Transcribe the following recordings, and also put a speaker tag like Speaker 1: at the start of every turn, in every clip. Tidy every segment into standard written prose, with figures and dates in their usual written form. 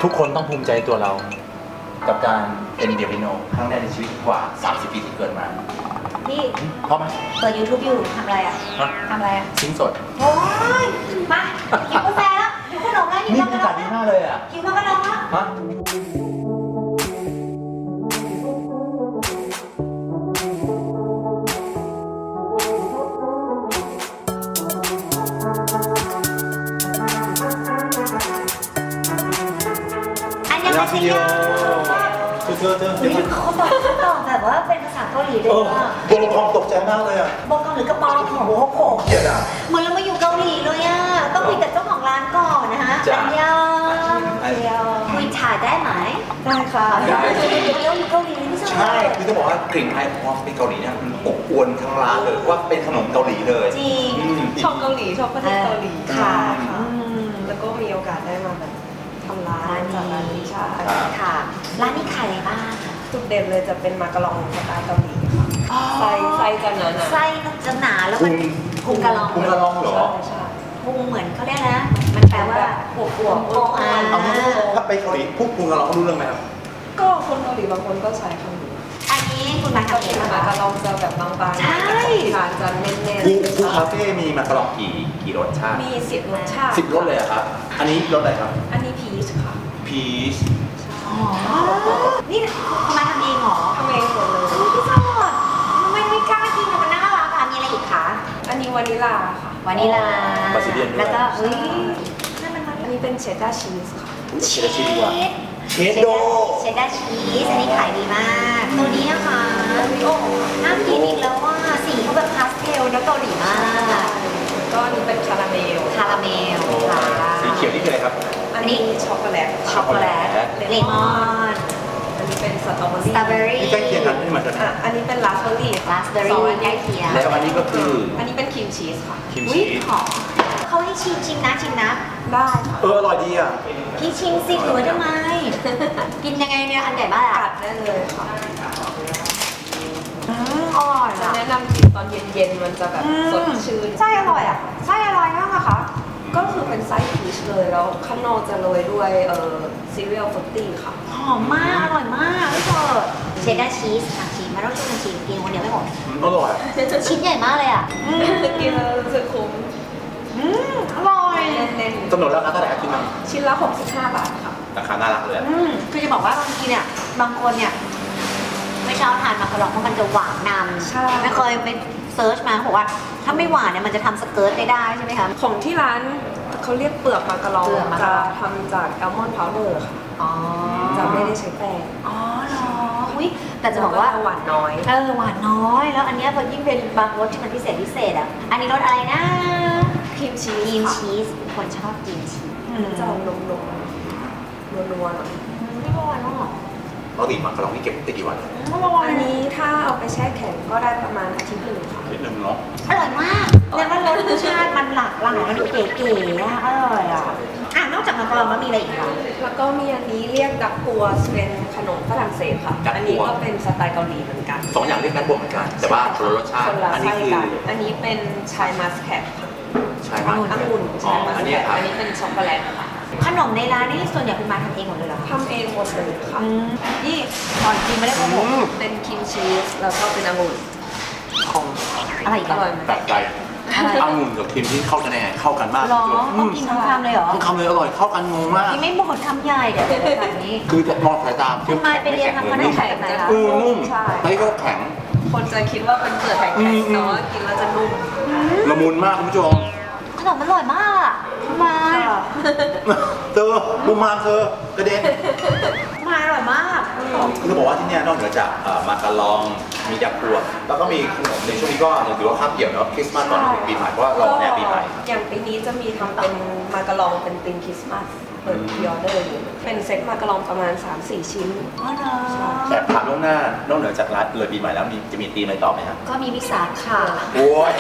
Speaker 1: ทุกคนต้องภูมิใจตัวเรา กับการเป็นเดียบิโนครั้งแรกในชีวิตกว่า 30 ปีที่เกิดมา
Speaker 2: พี่
Speaker 1: พร้อมไหม
Speaker 2: เปิด YouTube อยู่ทำอะไรอ่ะ
Speaker 1: ฮะ
Speaker 2: ทำอะไรอ่ะ
Speaker 1: ซิงสด
Speaker 2: โอ้ยมาหิวกาแฟแล้วหิวขนมแล้วหิว
Speaker 1: นี่
Speaker 2: มาก
Speaker 1: บรร
Speaker 2: แล้
Speaker 1: ยากาว ศดีมากเลยอ่ะ
Speaker 2: หิวมากแล้ว
Speaker 1: ฮะ
Speaker 2: อันยังไม่ใช่ยา
Speaker 1: เธอเดี๋ยวก่อน
Speaker 2: เขาบอกแบบว่าเป็นภาษาเกาหลีเลยว่า
Speaker 1: ตัวละครตกใจมากเลยอ่ะ
Speaker 2: บอกเกาหลีกระปองของโอ้โห
Speaker 1: เกลียดอ่ะ
Speaker 2: เหมือนเรามาอยู่เกาหลีเลยอ่ะต้องคุยกับเจ้าของร้านก่อนนะฮะ
Speaker 1: จ้ะ
Speaker 2: อันยองคุยถ่ายได้ไหม
Speaker 3: ได้ค่ะ
Speaker 1: ได้
Speaker 2: เราอยู่เกาหลีไม่ใช่
Speaker 1: ใช่คือจะบอกว่ากลิ่นไอของความเป็นเกาหลีเนี่ยมันอบอวลทั้งร้านเลยว่าเป็นขนมเกาหลีเลย
Speaker 2: จริง
Speaker 1: อืม
Speaker 3: ชอบเกาหลีชอบประเทศเกาหลี
Speaker 2: ค่ะ
Speaker 3: แล้วก็มีโอกาสได้มาแบบทำร้านจากร้านนี้ใช่
Speaker 2: ค่ะร้านนี้ขายอะไรบ้าง
Speaker 3: จุดเด่นเลยจะเป็นมากะลองสไตล์เกาหลีค่ะไส้จะหนาๆ
Speaker 2: ไส้มันจะหนาแล้วมันพุงกะลอง
Speaker 1: พุงกะลองเหรอ
Speaker 3: ใช่
Speaker 2: พุงเหมือนเขาเรียกนะ มันแปลว่าปวดปวดโอ้อ่า
Speaker 1: เอางี้ถ้าไปเกาหลีพวกพุงกะลองเขารู้เรื่องไหมครับ
Speaker 3: ก็คนเกาหลีบางคนก็ใช้คำนี้
Speaker 2: อันนี้คุณมา
Speaker 3: ก็
Speaker 2: ทำเอ
Speaker 3: เป็
Speaker 2: ง
Speaker 3: น
Speaker 2: เหรอ
Speaker 3: มากะ
Speaker 2: คะ
Speaker 3: ลองจะแบบบางๆ
Speaker 2: ใช่
Speaker 3: ทานจะเน้น
Speaker 1: คูคาเฟ่มีมากะลองกี่รสชาติ
Speaker 3: ๆมี10 รสชาติ
Speaker 1: 10 รสเลยอะครับ อันนี้รสอะไรครับ
Speaker 3: อันนี้พีชค่ะ
Speaker 1: พีช
Speaker 2: อ๋อ นี่คุณมาทำเองเหรอ
Speaker 3: ทำเองหมดเลย
Speaker 2: อุ๊ยพี่สดไม่กล้ากินอะมันน่ารักอ่ะมีอะไรอีกคะ
Speaker 3: อันนี้วานิลาค่ะ
Speaker 2: วานิลา
Speaker 1: บาซิเลียนด้วย
Speaker 2: แล้วก็เฮ้ยนั่นมัน
Speaker 3: อันนี้เป็นเชดดาร์ชีสค่ะ
Speaker 1: เชดดาร์ชีสดีกว่า เชดโด
Speaker 2: เชดดาร์ชีสอันนี้ขายดีมาก ตัวนี้นะคะโอ้น่ากินอีกแล้วว่าสีเขาแบบพาสเทลแล้วเกาหลีมาก
Speaker 3: ก็อันนี้เป็นคาราเมล
Speaker 2: คาราเมลค่ะ
Speaker 1: สีเขียวนี่คืออะไรครับ
Speaker 3: อันนี้ช็อกโกแลต
Speaker 2: ช็อกโกแลตเลมอน
Speaker 3: อันนี้เป็นสตรอเบอ
Speaker 2: สตรอเบอ
Speaker 3: รี่
Speaker 2: รี่
Speaker 1: นี่ใกล้เคียงกันไม่เหมือนกัน
Speaker 3: อ่ะ อันนี้เป็นราสเบอรี่
Speaker 2: ราสเบอรี่ใกล้เคียง
Speaker 1: แล้วอันนี้ก็คือ
Speaker 3: อันนี้เป็นครีมชีสค่ะ
Speaker 1: ครีม
Speaker 2: อุ้
Speaker 1: ชี
Speaker 2: ย
Speaker 1: ส
Speaker 2: หอมเขาให้ชิมนะ
Speaker 3: ได้ค่ะ
Speaker 1: อร่อยดีอ่ะ
Speaker 2: พี่ชิมสิหรือว่าทำไม กินยังไงเนี่ย อันใหญ่มาก
Speaker 3: กั
Speaker 2: อ่ะ
Speaker 3: ดได้เลยค่ะ
Speaker 2: อร่อย
Speaker 3: จะ
Speaker 2: อ่ะ
Speaker 3: แนะนำกินตอนเย็นๆ มันจะแบบสดชื่น
Speaker 2: ไส้อร่อยอ่ะไส้อร่อยมากอะคะ
Speaker 3: ก็คือเป็นไส้พีชเลย แล้วข้างนอกจะโรยด้วยซีเรียลฟรุตตี้ค่ะ
Speaker 2: หอมมาก อร่อยมากพี่เปิดเชดดาร์ชีสค่ะชีสมาต้องช่วยกันชิมกินคนเดียวไม่หมด
Speaker 1: อร่อย
Speaker 2: ชิ้นใหญ่มากเลยอ่ะ
Speaker 3: กินแล้วรู้สึกคุ้ม
Speaker 2: อร่อย
Speaker 3: เน้น
Speaker 1: กำหนดราคาเท่าไหร่ครับพี่มัง
Speaker 3: ๆ ชิ้นละ 65 บาทค่ะ
Speaker 1: ราคาน่ารักเลยอะ
Speaker 2: คือจะบอกว่าบางทีเนี่ยบางคนเนี่ยไม่ชอบทานมักกะลองเพราะมันจะหวานน
Speaker 3: ใช่
Speaker 2: ำไม่เคยไปเซิร์ชมาเขาบอกว่าถ้าไม่หวานเนี่ยมันจะทำสเกิร์ตไม่ได้ใช่ไหมคะ
Speaker 3: ของที่ร้านเขาเรียกเปลือกมากะลอง
Speaker 2: เปลือกมะกะ
Speaker 3: จะ
Speaker 2: ลอง
Speaker 3: ทำจากอัลมอนด์พาวเดอร์ค่ะ
Speaker 2: อ๋อ
Speaker 3: จะไม่ได้ใช้แป้ง
Speaker 2: อ๋อเหรออุ้ยแต่จะบอกว่า
Speaker 3: หวานน้อย
Speaker 2: หวานน้อย แล้วอันเนี้ยพอยิ่งเป็นบางรสที่มันพิเศษอ่ะ อันนี้รสอะไรนะ
Speaker 3: ครีมชี
Speaker 2: ครี
Speaker 3: ส
Speaker 2: ม
Speaker 3: ค่ะ
Speaker 2: ชีสคนชอบกินชีส
Speaker 3: มันจะออกนมๆนัวๆหน่อย
Speaker 2: ไม่อร่อยมาก
Speaker 1: ปกติมากะลองนี่เก็บได้กี่วัน
Speaker 2: ไม่อร่อย
Speaker 3: อันนี้ถ้าเอาไปแช่แข็งก็ได้ประมาณอาทิตย์หนึ่งค่ะ
Speaker 1: นิดนึงเนาะ
Speaker 2: อร่อยมากเรียกว่ารสชาติมันหลากหลายมันเก๋ๆอะอร่อยอ่ะนอกจากมักกะลองมันมีอะไรอีกคะ
Speaker 3: แล้วก็มีอันนี้เรียกดักกัวเป็นขนมฝรั่งเศสค่ะ อันนี้ก็เป็นสไตล์เกาหลีเหมือนกัน
Speaker 1: สองอย่างเรียกกันบวกเหมือนกัน แต่ว่าคนละรสชา
Speaker 3: ค
Speaker 1: ติ
Speaker 3: นละ
Speaker 1: อันนี้
Speaker 3: ไส้
Speaker 1: คือ
Speaker 3: กันอันนี้เป็นชายมัสแคทค่ะ
Speaker 1: ใช่ไหม
Speaker 3: องุ่น
Speaker 1: อ๋อ
Speaker 3: ชายมัส
Speaker 1: อัน
Speaker 3: แค
Speaker 1: นี้
Speaker 3: ท
Speaker 1: ครับ
Speaker 3: อันนี้เป็นช็อกโกแลตค่ะ
Speaker 2: ขนมในร้านนี่ส่วนใหญ่คุณมาทำเองหมดเลยเหรอ
Speaker 3: ทำเองหมดเลยค่ะ
Speaker 2: นี่ก่อนกินไม่ได้โกหก
Speaker 3: เป็นครีมชีสแล้วก็เป็นองุ่น
Speaker 2: อะไรอีก
Speaker 3: อ
Speaker 2: อะ
Speaker 3: ร่อยไหม
Speaker 1: แปลกใจองุ่นกับครีมที่เข้ากันยังไงเข้ากันมาก
Speaker 2: หรอ
Speaker 1: อื
Speaker 2: ต้อง
Speaker 1: ม
Speaker 2: กินทั้งคำเลยเหรอ
Speaker 1: ทั้งคำเลยอร่อยเข้ากันงงมาก
Speaker 2: นี่ไม่บอกคำใหญ่เดี๋ยวเป็นแบบนี้
Speaker 1: คือจะมองสายตา
Speaker 2: คุณมายไปเรียนทำขนมแบบไหนคะ
Speaker 1: นุ่ม
Speaker 3: ใช่
Speaker 1: ไส้ก็แข็ง
Speaker 3: คนจะคิดว่าเป็นเปลือกแข็งๆแต่ว่ากินแล้วจะนุ่ม
Speaker 1: ละมุนมากคุณผู้ชม
Speaker 2: ขนมมันอร่อยมากอะคุณมาย
Speaker 1: เธอบุมมามเธอกระเด็น
Speaker 2: มายอร่อยมาก
Speaker 1: คือจะบอกว่าที่เนี่ยนอกเหนือจากมากะลองมีดักพวงแล้วก็มีขนมในช่วงนี้ก็ถือว่าคาบเกี่ยวเนาะคริสต์มาสก่อนถึงปีใหม่เพราะว่าเราแนวปีใหม่
Speaker 3: อย่างปีนี้จะมีทำเป็นมากะลองเป็นธีมคริสต์มาสเปิดพรีออเดอร์อยู่เป็นเซ็ตมากะลองประมาณ 3-4 ชิ้น
Speaker 2: อ๋อเหรอ
Speaker 1: แต่ถามล่วงหน้านอกเหนือจากร้านเลยปีใหม่แล้วจะมีตีมอะไรต่อไหมครับ
Speaker 2: ก็มีวิสาขา
Speaker 1: โอ้ย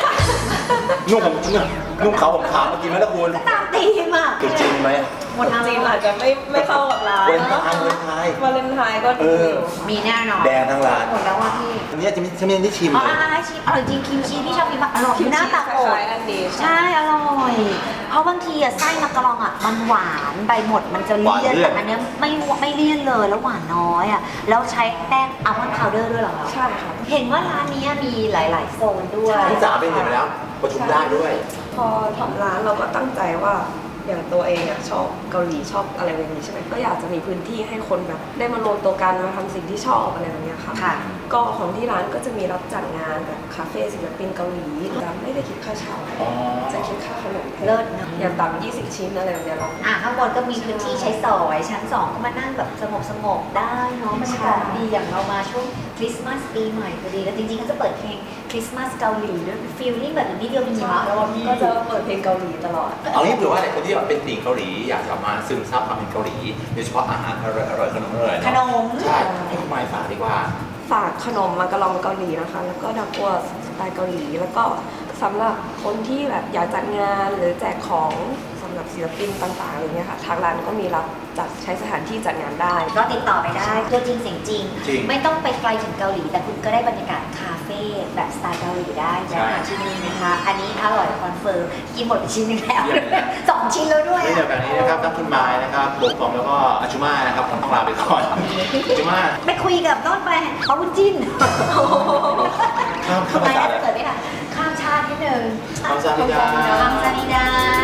Speaker 1: นุ่งเขาผมขาวเมื่อกี้ไหมล่ะคุณ
Speaker 2: ตามตีมอ่ะ
Speaker 1: จริงไหม
Speaker 2: หมด
Speaker 3: จีนอาจจะไม่เข้ากับร้าน
Speaker 1: วาเลนไทน์วาเลนไทน์
Speaker 3: วาเลนไทน์ก็ดีอยู่
Speaker 2: มีแน่นอน
Speaker 1: แดงทั้งร้าน
Speaker 2: หมดแล้วว่าพี่
Speaker 1: อันนี้จะมีที่ชิม
Speaker 2: อ๋อ
Speaker 1: เลย
Speaker 2: ชิมอร่อยจริงครีมชีสพี่ชอบกินมากอร่อย
Speaker 3: คิม
Speaker 2: หน้า
Speaker 3: ชีส
Speaker 2: ตัก
Speaker 3: ค
Speaker 2: อก
Speaker 3: ล้ายๆอันนี้
Speaker 2: ใช่อร่อยเพราะบางทีอะไส้มักกะลองอะมันหวานใบหมดมันจะเลี่ยนแต่อันเนี้ยไม่เลี่ยนเลยแล้วหวานน้อยอะแล้วใช้แป้งอัลมอนด์พาวเดอร์ด้วยเหรอคะ
Speaker 3: ใช่ค่ะ
Speaker 2: เห็นว่าร้านนี้มีหลาย ๆ โซนด้วย
Speaker 1: พี่จ๋าไปเห็นมาแล้วประชุมได้ด้วย
Speaker 3: พอทำร้านเราก็ตั้งใจว่าอย่างตัวเองอะชอบเกาหลีชอบอะไรแบบนี้ใช่ไหมก็อยากจะมีพื้นที่ให้คนแบบได้มารวมตัวกันมาทำสิ่งที่ชอบอะไรแบบเนี้ยค่ะ
Speaker 2: ค่ะ
Speaker 3: ก็ของที่ร้านก็จะมีรับจัดงานแบบคาเฟ่ศิลปินเกาหลีแต่ไม่ได้คิดค่าเช่า
Speaker 1: อ๋อ
Speaker 3: จะคิดค่าขนมแทน
Speaker 2: เลิศนะ
Speaker 3: อย่างต่ำ20 ชิ้นอะไรแบบเนี้ยเรา
Speaker 2: ข้างบนก็มีพื้นที่ใช้สอยชั้น 2 ก็มานั่งแบบสงบได้เนาะบรรยากาศดีอย่างเรามาช่วงคริสต์มาสปีใหม่พอดีแล้วจริงๆก็จะเปิดเพลงคริสต์มาสเกาหลีด้วยฟีลลิ่งแบบนี้เดียวมีมะแล้วพี่
Speaker 3: ก็จะเปิดเพลงเกาหลีตลอด
Speaker 1: เอางี้เผื่อว่าหลายคนที่แบบเป็นติ่งเกาหลีอยากจะมาซึมซับความเป็นเกาหลีโดยเฉพาะอาหารอร่อยๆขนมอร่อยๆ
Speaker 2: ขนม
Speaker 1: ใช่ให้คุณมายฝากดีกว่า
Speaker 3: ฝากขนมมากะลองเกาหลีนะคะ แล้วก็ดักกัวสไตล์เกาหลี แล้วก็สำหรับคนที่แบบอยากจัดงานหรือแจกของสำหรับศิลปินต่างๆอะไรเงี้ยค่ะ ทางร้านก็มีรับจัดใช้สถานที่จัดงานได้
Speaker 2: ก็ติดต่อไปได้ตัวจริงเสียงจริง
Speaker 1: จริง
Speaker 2: ไม่ต้องไปไกลถึงเกาหลี แต่คุณก็ได้บรรยากาศคาเฟ่แบบสไตล์เกาหลีได้
Speaker 1: ใช่
Speaker 2: นะคะที่นี่นะคะ อันนี้อร่อยคอนเฟิร์มกินหมดไปชิ้นหนึงแล้ว
Speaker 1: เยี่ยมเลยนะ
Speaker 2: 2 ชิ้นแล้วด้วย
Speaker 1: นี่เดี๋ยวแบบนี้นะครับทั้งคุณมายนะครับโบกฟอมแล้วก็อาชุมานะครับผมต้องลาไปก่อนอาชุมา
Speaker 2: ไปคุยกับโน้นไปเขาบุญจิ้น
Speaker 1: ข้าม
Speaker 2: ทำไม
Speaker 1: ภาษา
Speaker 2: น่า
Speaker 1: เลย
Speaker 2: จะเกิดไม่ทันข้ามชาตินิดนึง
Speaker 1: ข้ามชาตินิดา
Speaker 2: ข้ามชาตินิดา